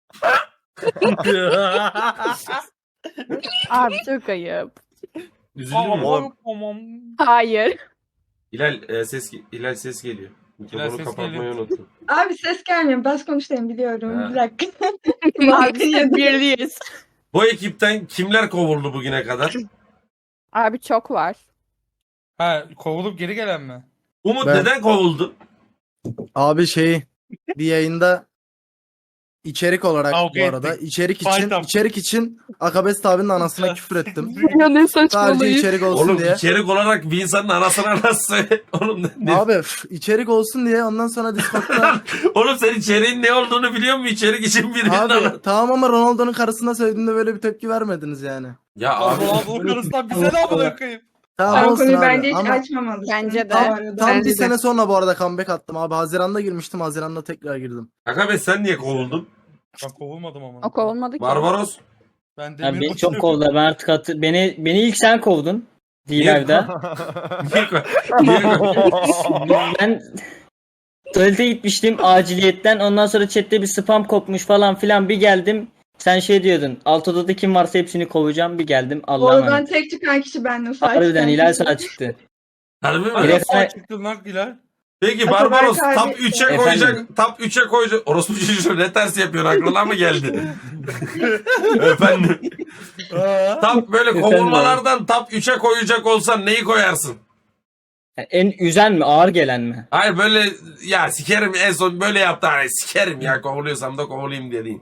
[SPEAKER 5] Abi çok ayıp.
[SPEAKER 2] Üzüldün mü?
[SPEAKER 7] Tamam.
[SPEAKER 5] Hayır.
[SPEAKER 2] Hilal ses geliyor.
[SPEAKER 1] Hilal
[SPEAKER 2] Mikrofonu
[SPEAKER 1] ses
[SPEAKER 2] kapatmayı
[SPEAKER 1] geliyor.
[SPEAKER 2] unuttum.
[SPEAKER 3] Abi ses gelmiyor. Bas konuşayım biliyorum.
[SPEAKER 2] Ha.
[SPEAKER 3] Bir dakika.
[SPEAKER 5] Abi biz birliyiz.
[SPEAKER 2] Bu ekipten kimler kovuldu bugüne kadar?
[SPEAKER 5] Abi çok var.
[SPEAKER 1] ha kovulup geri gelen mi?
[SPEAKER 2] Umut
[SPEAKER 9] Ben-
[SPEAKER 2] neden kovuldu?
[SPEAKER 9] Abi bir yayında içerik olarak
[SPEAKER 1] Kavga
[SPEAKER 9] bu arada
[SPEAKER 1] ettik.
[SPEAKER 9] içerik
[SPEAKER 1] Fight
[SPEAKER 9] için Akabes abinin anasına küfür ettim.
[SPEAKER 4] Ya ne
[SPEAKER 9] Sadece
[SPEAKER 4] saçmalayın.
[SPEAKER 9] içerik olsun
[SPEAKER 2] Oğlum
[SPEAKER 9] diye.
[SPEAKER 2] içerik olarak bir insanın anasına nasıl söyle? Oğlum,
[SPEAKER 9] Abi içerik olsun diye ondan sonra Discord'da
[SPEAKER 2] oğlum sen içeriğin ne olduğunu biliyor musun? İçerik için birinin
[SPEAKER 9] abi tamam ama Ronaldo'nun karısına söylediğinde böyle bir tepki vermediniz yani.
[SPEAKER 2] Ya abi.
[SPEAKER 1] Ronaldo'nun karısından bize ne amına koyayım?
[SPEAKER 9] Tamam
[SPEAKER 3] Ben o
[SPEAKER 9] olsun
[SPEAKER 3] konuyu
[SPEAKER 9] abi
[SPEAKER 3] bence hiç
[SPEAKER 9] ama
[SPEAKER 3] açmamalısın.
[SPEAKER 5] Bence de.
[SPEAKER 3] Bu arada.
[SPEAKER 9] tam
[SPEAKER 4] Bence
[SPEAKER 9] bir
[SPEAKER 4] de.
[SPEAKER 9] sene sonra bu arada comeback attım abi. Haziran'da girmiştim. Haziran'da tekrar girdim.
[SPEAKER 2] Akabe sen niye kovuldun?
[SPEAKER 1] Ben kovulmadım ama.
[SPEAKER 5] O kovulmadı ki.
[SPEAKER 2] Barbaros.
[SPEAKER 1] Ben
[SPEAKER 6] Ya
[SPEAKER 1] demir
[SPEAKER 6] beni çok
[SPEAKER 1] boşuna-
[SPEAKER 6] kovdular. Ben artık beni ilk sen kovdun. D-Live'da.
[SPEAKER 2] Niye kovdun?
[SPEAKER 6] Ben tuvalete gitmiştim aciliyetten. Ondan sonra chatte bir spam kopmuş falan filan. Bir geldim. Sen şey diyordun. Alt odada kim varsa hepsini kovacağım. Bir geldim. Allah'a
[SPEAKER 3] Oradan
[SPEAKER 6] emanet.
[SPEAKER 3] tek çıkan kişi bendim. Sağ
[SPEAKER 6] Harbiden
[SPEAKER 3] çıkan
[SPEAKER 6] Hilal
[SPEAKER 3] kişi.
[SPEAKER 6] sağ çıktı.
[SPEAKER 2] Harbi mi?
[SPEAKER 6] Direkt-
[SPEAKER 1] Sağ çıktın lan Hilal.
[SPEAKER 2] Peki
[SPEAKER 3] Ataberk
[SPEAKER 2] Barbaros
[SPEAKER 3] abi-
[SPEAKER 2] top 3'e
[SPEAKER 6] Efendim?
[SPEAKER 2] koyacak. Top 3'e koyacak. Orospu çocuğu ne ters yapıyorsun aklına mı geldi? Efendim. Top böyle
[SPEAKER 6] Efendim
[SPEAKER 2] kovulmalardan top 3'e koyacak olsan neyi koyarsın?
[SPEAKER 6] Yani en üzen mi? Ağır gelen mi?
[SPEAKER 2] Hayır böyle ya sikerim en son böyle yaptı hani sikerim ya kovuluyorsam da kovulayım dediğin.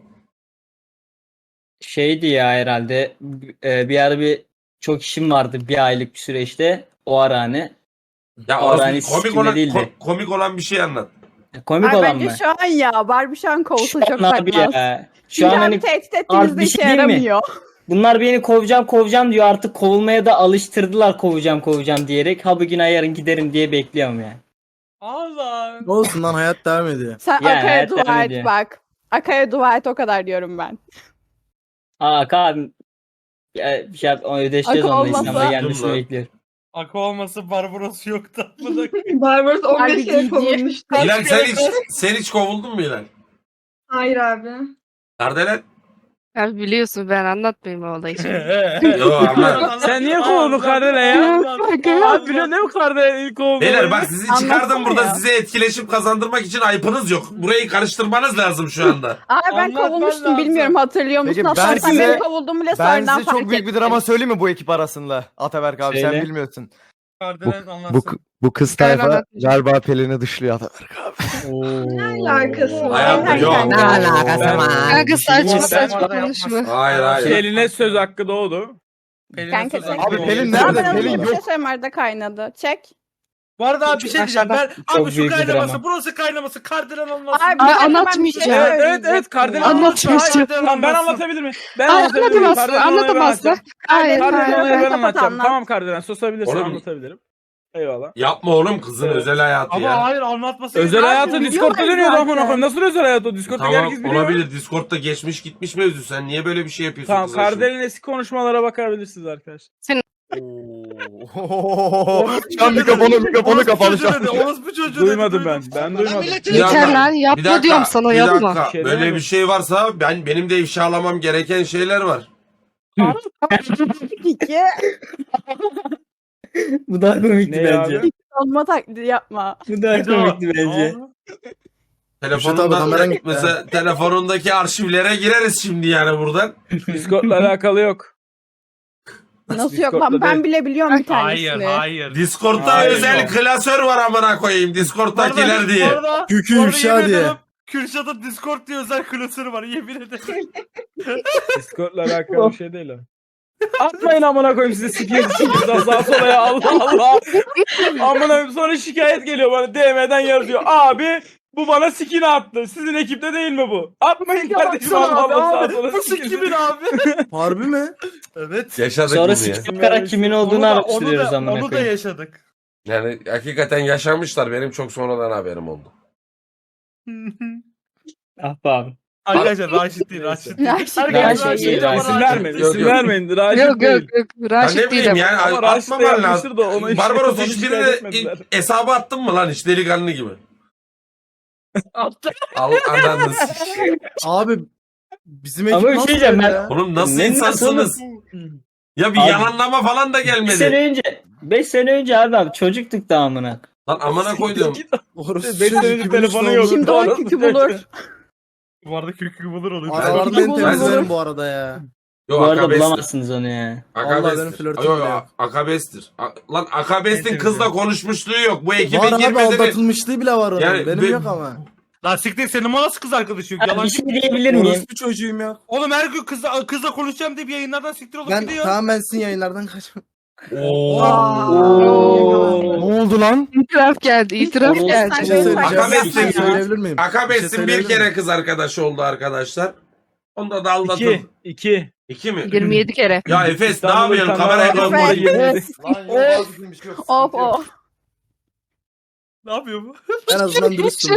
[SPEAKER 6] Şeydi ya herhalde. Bir ara çok işim vardı bir aylık bir süreçte. O ara hani.
[SPEAKER 2] Ya
[SPEAKER 6] Aa, ben
[SPEAKER 2] orospu-
[SPEAKER 6] hiç
[SPEAKER 2] komik
[SPEAKER 6] sikimde
[SPEAKER 2] olan
[SPEAKER 6] değildi.
[SPEAKER 2] komik olan bir şey anlat.
[SPEAKER 6] Komik
[SPEAKER 5] Abi
[SPEAKER 6] olan
[SPEAKER 5] bence
[SPEAKER 6] mı?
[SPEAKER 5] şu an ya. Barbie şu an kovulsa
[SPEAKER 6] Şu
[SPEAKER 5] çok
[SPEAKER 6] an abi
[SPEAKER 5] takmaz.
[SPEAKER 6] ya. Şu
[SPEAKER 5] Çünkü
[SPEAKER 6] an
[SPEAKER 5] abi
[SPEAKER 6] hani
[SPEAKER 5] tehdit
[SPEAKER 6] Abi
[SPEAKER 5] ettiğimizde
[SPEAKER 6] bir
[SPEAKER 5] işe
[SPEAKER 6] şey diyeyim mi?
[SPEAKER 5] yaramıyor.
[SPEAKER 6] bunlar beni kovacağım diyor. Artık kovulmaya da alıştırdılar kovacağım diyerek. Ha bugün yarın giderim diye bekliyorum yani.
[SPEAKER 1] Allah.
[SPEAKER 9] Ne olsun lan hayat devam ediyor.
[SPEAKER 5] Sen
[SPEAKER 6] Yani
[SPEAKER 5] Akaya
[SPEAKER 6] evet,
[SPEAKER 5] dua
[SPEAKER 6] öyle.
[SPEAKER 5] et bak. Akaya dua et o kadar diyorum ben.
[SPEAKER 6] Abi bir şey ödeşeceğiz
[SPEAKER 5] Akı
[SPEAKER 6] onunla
[SPEAKER 5] olmasa-
[SPEAKER 6] İstanbul'a gelmesini
[SPEAKER 2] Lan.
[SPEAKER 6] bekliyorum.
[SPEAKER 1] Akı olması Barbaros yoktu. Amına
[SPEAKER 3] Barbaros 15
[SPEAKER 5] Harbi
[SPEAKER 3] kere
[SPEAKER 5] ciddi.
[SPEAKER 3] kovulmuştu.
[SPEAKER 2] Hilal sen hiç kovuldun mu Hilal?
[SPEAKER 3] Hayır abi.
[SPEAKER 2] Kardelen?
[SPEAKER 4] Ya biliyorsun ben anlatmayayım o olayı şimdi.
[SPEAKER 2] Yo ama.
[SPEAKER 7] Sen niye kovuldun Kardelen ya? Abi biliyorsun değil mi Kardelen ilk kovuldu?
[SPEAKER 2] Beyler bak sizi çıkardım
[SPEAKER 5] Anlatsana
[SPEAKER 2] burada
[SPEAKER 5] ya.
[SPEAKER 2] size etkileşim kazandırmak için ayıpınız yok. Burayı karıştırmanız lazım şu anda.
[SPEAKER 5] Abi ben
[SPEAKER 1] Anlatman
[SPEAKER 5] kovulmuştum
[SPEAKER 1] lazım.
[SPEAKER 5] bilmiyorum hatırlıyor musun?
[SPEAKER 8] Peki,
[SPEAKER 5] Hatta
[SPEAKER 8] ben
[SPEAKER 5] sen
[SPEAKER 8] size-
[SPEAKER 5] benim kovulduğumu bile
[SPEAKER 8] Ben
[SPEAKER 5] sonradan
[SPEAKER 8] size çok
[SPEAKER 5] fark
[SPEAKER 8] büyük bir
[SPEAKER 5] ettim.
[SPEAKER 8] drama söyleyeyim mi bu ekip arasında? Ataberk abi sen
[SPEAKER 6] Söyle.
[SPEAKER 8] bilmiyorsun.
[SPEAKER 1] Kardelen anlatsın.
[SPEAKER 8] Bu kız
[SPEAKER 4] Ben
[SPEAKER 8] tayfa
[SPEAKER 4] anlatmayacağım.
[SPEAKER 8] galiba Pelin'i dışlıyor Ataberk abi.
[SPEAKER 3] Ne alakası var?
[SPEAKER 2] Hayatta yok.
[SPEAKER 5] Ne
[SPEAKER 7] alakası
[SPEAKER 5] var?
[SPEAKER 4] Kanka saçma
[SPEAKER 7] Ben-
[SPEAKER 4] saçma konuşma.
[SPEAKER 2] Hayır hayır.
[SPEAKER 7] Eline söz hakkı doğdu.
[SPEAKER 1] Pelin'e
[SPEAKER 5] Kanka
[SPEAKER 1] söz
[SPEAKER 5] sen-
[SPEAKER 1] hakkı
[SPEAKER 8] Abi
[SPEAKER 1] oldu.
[SPEAKER 8] Pelin
[SPEAKER 5] Abi
[SPEAKER 8] nerede?
[SPEAKER 5] ben
[SPEAKER 8] Pelin
[SPEAKER 5] bir şey
[SPEAKER 8] yok.
[SPEAKER 5] söyleyeyim arada kaynadı. Çek.
[SPEAKER 9] Bu arada abi bir şey diyeceğim. Ben
[SPEAKER 6] Çok
[SPEAKER 9] abi şu
[SPEAKER 6] büyük bir
[SPEAKER 9] kaynaması
[SPEAKER 6] drama.
[SPEAKER 9] burası kaynaması kardelen olmasın.
[SPEAKER 5] Abi
[SPEAKER 4] Ay,
[SPEAKER 5] ben hemen bir
[SPEAKER 4] anlatmayacağım.
[SPEAKER 5] şey
[SPEAKER 7] Evet
[SPEAKER 5] söyleyecektim
[SPEAKER 7] evet Kardelen
[SPEAKER 5] ya.
[SPEAKER 4] Anlatmayacağım.
[SPEAKER 7] Tamam ben anlatabilir miyim? Ben
[SPEAKER 4] Ay,
[SPEAKER 7] anlatabilir miyim?
[SPEAKER 4] anlatamazsın.
[SPEAKER 7] Kardelen olayı ben
[SPEAKER 4] Anlatamazsın.
[SPEAKER 7] anlatacağım.
[SPEAKER 4] Hayır
[SPEAKER 7] Kardelen
[SPEAKER 4] hayır.
[SPEAKER 7] olayı ben
[SPEAKER 5] Kapat,
[SPEAKER 7] anlatacağım.
[SPEAKER 5] anlat.
[SPEAKER 7] Tamam Kardelen susabilirsin
[SPEAKER 2] Oğlum-
[SPEAKER 7] anlatabilirim. Eyvallah.
[SPEAKER 2] Yapma oğlum kızın özel hayatı
[SPEAKER 9] Ama
[SPEAKER 2] ya.
[SPEAKER 9] hayır anlatması.
[SPEAKER 7] Özel hayatı
[SPEAKER 5] biliyorlar
[SPEAKER 7] Discord'da dönüyordu
[SPEAKER 5] zaten.
[SPEAKER 7] amına koyayım. Nasıl özel hayatı o? Discord'da
[SPEAKER 2] Tamam
[SPEAKER 7] herkes biliyor.
[SPEAKER 2] olabilir Discord'da geçmiş gitmiş mevzu sen niye böyle bir şey yapıyorsun
[SPEAKER 7] Tamam
[SPEAKER 2] kızın şimdi?
[SPEAKER 7] Kardelen'in eski konuşmalara bakabilirsiniz arkadaşlar.
[SPEAKER 8] Şu an mikrofonu kapalı şu an.
[SPEAKER 9] Orospu çocuğu dedi,
[SPEAKER 7] Duymadım ben.
[SPEAKER 9] duydum.
[SPEAKER 7] Ben duymadım.
[SPEAKER 2] Bir
[SPEAKER 4] Yeter
[SPEAKER 2] dakika,
[SPEAKER 4] lan
[SPEAKER 2] bir
[SPEAKER 4] yapma
[SPEAKER 2] dakika,
[SPEAKER 4] diyorum sana
[SPEAKER 2] bir
[SPEAKER 4] yapma.
[SPEAKER 2] dakika.
[SPEAKER 7] Şey
[SPEAKER 2] Böyle
[SPEAKER 7] demedim.
[SPEAKER 2] bir şey varsa benim de ifşalamam gereken şeyler var.
[SPEAKER 5] İki.
[SPEAKER 6] Bu daha komikti
[SPEAKER 7] Ne
[SPEAKER 6] bence.
[SPEAKER 7] abi?
[SPEAKER 5] Olma taklidi yapma.
[SPEAKER 6] Bu daha
[SPEAKER 9] Bir daha.
[SPEAKER 6] komikti bence.
[SPEAKER 2] Telefonundan
[SPEAKER 8] kameran gitti
[SPEAKER 2] mesela telefonundaki arşivlere gireriz şimdi yani buradan.
[SPEAKER 7] Discord'la alakalı yok.
[SPEAKER 5] Nasıl yok
[SPEAKER 7] Discord'da
[SPEAKER 5] lan ben
[SPEAKER 7] değil.
[SPEAKER 5] bile biliyorum bir
[SPEAKER 9] Hayır
[SPEAKER 5] tanesini.
[SPEAKER 9] hayır.
[SPEAKER 2] Discord'da
[SPEAKER 7] Hayır.
[SPEAKER 2] özel klasör var amına koyayım Discord'dakiler diye.
[SPEAKER 8] Kükü
[SPEAKER 9] Orada
[SPEAKER 8] ifşa
[SPEAKER 9] yemin
[SPEAKER 8] diye.
[SPEAKER 9] ederim Kürşat'ın Discord diye özel klasörü var yemin ederim.
[SPEAKER 7] Discord'la alakalı bir şey değil o. Atmayın amına koyayım size sikeyim sağa sola ya Allah Allah. Amına koyayım sonra şikayet geliyor bana DM'den yazıyor. Abi bu bana sikini attı. Sizin ekipte değil mi bu? Atmayın kardeşim Allah Allah sağa sola
[SPEAKER 9] Bu
[SPEAKER 7] sikini.
[SPEAKER 9] kimin abi?
[SPEAKER 8] Harbi mi?
[SPEAKER 9] Evet.
[SPEAKER 2] Yaşadık
[SPEAKER 6] Sonra
[SPEAKER 2] bunu ya.
[SPEAKER 6] sikip bakarak kimin olduğunu araştırıyoruz amına
[SPEAKER 9] onu da
[SPEAKER 6] koyayım.
[SPEAKER 9] yaşadık.
[SPEAKER 2] Yani hakikaten yaşamışlar. Benim çok sonradan haberim oldu.
[SPEAKER 6] Ah be abi.
[SPEAKER 9] Arkadaşlar Raşit değil Raşit değil.
[SPEAKER 5] Raşit
[SPEAKER 9] Herkes
[SPEAKER 6] değil,
[SPEAKER 9] ama
[SPEAKER 6] Raşit
[SPEAKER 7] İsim
[SPEAKER 6] değil.
[SPEAKER 7] vermeyin,
[SPEAKER 2] Yok,
[SPEAKER 7] isim
[SPEAKER 2] yok.
[SPEAKER 7] vermeyin. Raşit
[SPEAKER 4] Yok
[SPEAKER 7] değil.
[SPEAKER 4] yok yok.
[SPEAKER 2] Ya
[SPEAKER 4] Raşit
[SPEAKER 2] ne
[SPEAKER 4] değil
[SPEAKER 2] bileyim
[SPEAKER 4] ama.
[SPEAKER 2] yani
[SPEAKER 7] Ama Raşit de
[SPEAKER 2] atmaman lazım.
[SPEAKER 7] yapmıştır da ona işte
[SPEAKER 2] Barbaros
[SPEAKER 7] onu
[SPEAKER 2] hiç
[SPEAKER 7] şikayet
[SPEAKER 2] birine
[SPEAKER 7] etmediler.
[SPEAKER 2] hesabı attın mı lan hiç delikanlı gibi?
[SPEAKER 9] Attı.
[SPEAKER 2] Al anladınız.
[SPEAKER 8] Abi bizim
[SPEAKER 6] Ama
[SPEAKER 8] ekip
[SPEAKER 6] bir
[SPEAKER 8] nasıl
[SPEAKER 6] şey diyeceğim
[SPEAKER 8] böyle
[SPEAKER 6] ben-
[SPEAKER 8] ya?
[SPEAKER 2] Oğlum nasıl
[SPEAKER 6] Ne
[SPEAKER 2] insansınız? Ya bir
[SPEAKER 6] Abi-
[SPEAKER 2] yalanlama falan da
[SPEAKER 6] 5 sene
[SPEAKER 2] gelmedi.
[SPEAKER 6] önce 5 sene önce abi çocuktuk da amına.
[SPEAKER 2] Lan amına koydum.
[SPEAKER 8] Orası
[SPEAKER 7] 5
[SPEAKER 8] çocuk
[SPEAKER 7] senedir
[SPEAKER 8] gibi
[SPEAKER 7] telefonu
[SPEAKER 8] işte
[SPEAKER 7] yok.
[SPEAKER 5] Şimdi
[SPEAKER 7] Doğru
[SPEAKER 5] o kükü bulur.
[SPEAKER 9] Bu arada kökü bulur onu.
[SPEAKER 8] Aralarda
[SPEAKER 5] Ben-
[SPEAKER 8] beni temizlerim bu arada ya.
[SPEAKER 2] Yok
[SPEAKER 6] Bu arada
[SPEAKER 2] akabestir.
[SPEAKER 6] bulamazsınız onu ya.
[SPEAKER 8] Vallahi benim
[SPEAKER 2] Akabestir.
[SPEAKER 8] flörtüm
[SPEAKER 2] Yok
[SPEAKER 8] bile
[SPEAKER 2] yok
[SPEAKER 8] yok.
[SPEAKER 2] akabestir. Lan akabestin
[SPEAKER 9] Ne
[SPEAKER 2] kızla konuşmuşluğu yok. Bu ekibe
[SPEAKER 8] Var abi
[SPEAKER 2] girmedi.
[SPEAKER 8] aldatılmışlığı bile var onun.
[SPEAKER 2] Yani
[SPEAKER 8] Benim
[SPEAKER 2] be-
[SPEAKER 8] yok ama.
[SPEAKER 9] Lan siktir senin nasıl kız arkadaşı yok?
[SPEAKER 6] Abi
[SPEAKER 9] Yalan.
[SPEAKER 6] bir şey diyebilir miyim?
[SPEAKER 8] Orospu çocuğuyum ya.
[SPEAKER 9] Oğlum her gün kızla konuşacağım deyip yayınlardan siktir olup
[SPEAKER 8] Ben
[SPEAKER 9] gidiyor.
[SPEAKER 8] tamam ben sizin yayınlardan kaçmam.
[SPEAKER 2] Oo.
[SPEAKER 8] Ne oldu lan?
[SPEAKER 4] İtiraf geldi. İtiraf
[SPEAKER 6] Oğlum,
[SPEAKER 4] geldi.
[SPEAKER 8] Bir şey söyleyeceğim.
[SPEAKER 2] Akabestin
[SPEAKER 8] Bir şey
[SPEAKER 2] ya.
[SPEAKER 8] söyleyebilir miyim?
[SPEAKER 2] Akabestin bir
[SPEAKER 8] söyleyebilir
[SPEAKER 2] kere
[SPEAKER 8] miyim?
[SPEAKER 2] kız arkadaşı oldu arkadaşlar. Onda da aldatıldı.
[SPEAKER 7] 2. 2.
[SPEAKER 2] İki mi?
[SPEAKER 4] 27 kere.
[SPEAKER 2] Ya Efes ne
[SPEAKER 7] İstanbul'da
[SPEAKER 2] yapıyorsun?
[SPEAKER 7] bir tane
[SPEAKER 2] Kameraya
[SPEAKER 7] adam
[SPEAKER 2] kalma.
[SPEAKER 7] var, 27.
[SPEAKER 8] Lan yok vazgeçilmiş yok.
[SPEAKER 5] Of of.
[SPEAKER 9] Ne yapıyor bu?
[SPEAKER 8] En azından dürüstüm.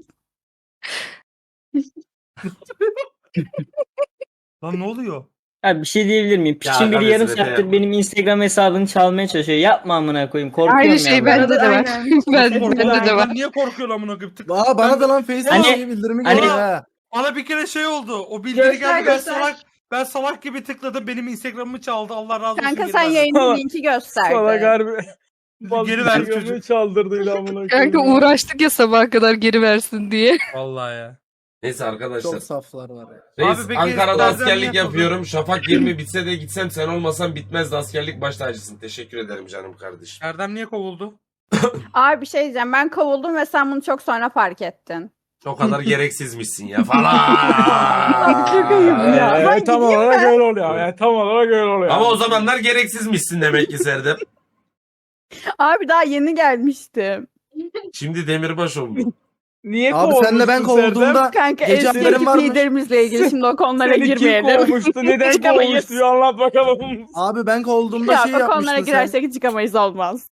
[SPEAKER 9] Lan ne oluyor?
[SPEAKER 6] Abi bir şey diyebilir miyim?
[SPEAKER 2] Ya
[SPEAKER 6] Piçin biri
[SPEAKER 2] abi
[SPEAKER 6] yarım
[SPEAKER 2] size
[SPEAKER 6] saattir
[SPEAKER 2] yapma.
[SPEAKER 6] benim Instagram hesabını çalmaya çalışıyor. Yapma amına koyayım. Korkuyorum
[SPEAKER 4] Aynı
[SPEAKER 6] ya.
[SPEAKER 4] şey
[SPEAKER 6] ben.
[SPEAKER 4] bende de var.
[SPEAKER 3] Aynen.
[SPEAKER 4] Bende de var.
[SPEAKER 9] Niye korkuyorsun amına koyayım?
[SPEAKER 8] Aa bana da lan Facebook
[SPEAKER 6] Hani-
[SPEAKER 8] bildirimi
[SPEAKER 6] hani-
[SPEAKER 8] geliyor ha.
[SPEAKER 9] Bana bir kere şey oldu. O bildiri
[SPEAKER 3] Göster,
[SPEAKER 9] geldi ben
[SPEAKER 3] göster.
[SPEAKER 9] salak gibi tıkladım. Benim Instagram'ımı çaldı. Allah razı olsun.
[SPEAKER 5] Kanka
[SPEAKER 9] geri
[SPEAKER 5] sen
[SPEAKER 9] verdi.
[SPEAKER 5] yayının linki gösterdi.
[SPEAKER 7] Salak harbi.
[SPEAKER 9] Geri ver çocuk.
[SPEAKER 7] Instagram'ı çaldırdıydı amına
[SPEAKER 4] Kanka
[SPEAKER 7] koyayım.
[SPEAKER 4] uğraştık ya sabaha kadar geri versin diye.
[SPEAKER 9] Vallahi ya.
[SPEAKER 2] Neyse arkadaşlar.
[SPEAKER 8] Çok saflar var ya.
[SPEAKER 2] Reis,
[SPEAKER 9] Abi peki,
[SPEAKER 2] Ankara'da
[SPEAKER 9] bazen
[SPEAKER 2] askerlik
[SPEAKER 9] ne
[SPEAKER 2] yapıyorum. Şafak 20 bitse de gitsem sen olmasan bitmezdi. Askerlik baş tacısın. Teşekkür ederim canım kardeşim.
[SPEAKER 9] Erdem niye kovuldu?
[SPEAKER 5] Abi bir şey diyeceğim. Ben kovuldum ve sen bunu çok sonra fark ettin.
[SPEAKER 2] O kadar gereksizmişsin ya falan.
[SPEAKER 5] Çok ayıp ya. Ben
[SPEAKER 7] Tam
[SPEAKER 5] gideyim
[SPEAKER 7] olarak
[SPEAKER 5] mi?
[SPEAKER 7] öyle oluyor. Yani tam olarak öyle oluyor.
[SPEAKER 2] Ama o zamanlar gereksizmişsin demek ki Serdar.
[SPEAKER 5] Abi daha yeni gelmiştim.
[SPEAKER 2] Şimdi demirbaş oldu.
[SPEAKER 7] Niye
[SPEAKER 8] Abi senle ben
[SPEAKER 7] kovulmuştun
[SPEAKER 8] kovulduğumda
[SPEAKER 5] Kanka
[SPEAKER 8] Gece
[SPEAKER 5] eski
[SPEAKER 8] haberin
[SPEAKER 5] ekip
[SPEAKER 8] var mı?
[SPEAKER 5] liderimizle ilgili şimdi o konulara
[SPEAKER 7] Seni kim
[SPEAKER 5] girmeyelim.
[SPEAKER 7] kovmuştu? Neden
[SPEAKER 5] Çıkamayız.
[SPEAKER 7] kovmuştu? Bir anlat bakalım.
[SPEAKER 8] abi ben kovulduğumda
[SPEAKER 5] Ya
[SPEAKER 8] şey
[SPEAKER 5] o konulara
[SPEAKER 8] yapmıştın sen.
[SPEAKER 5] girersek çıkamayız olmaz.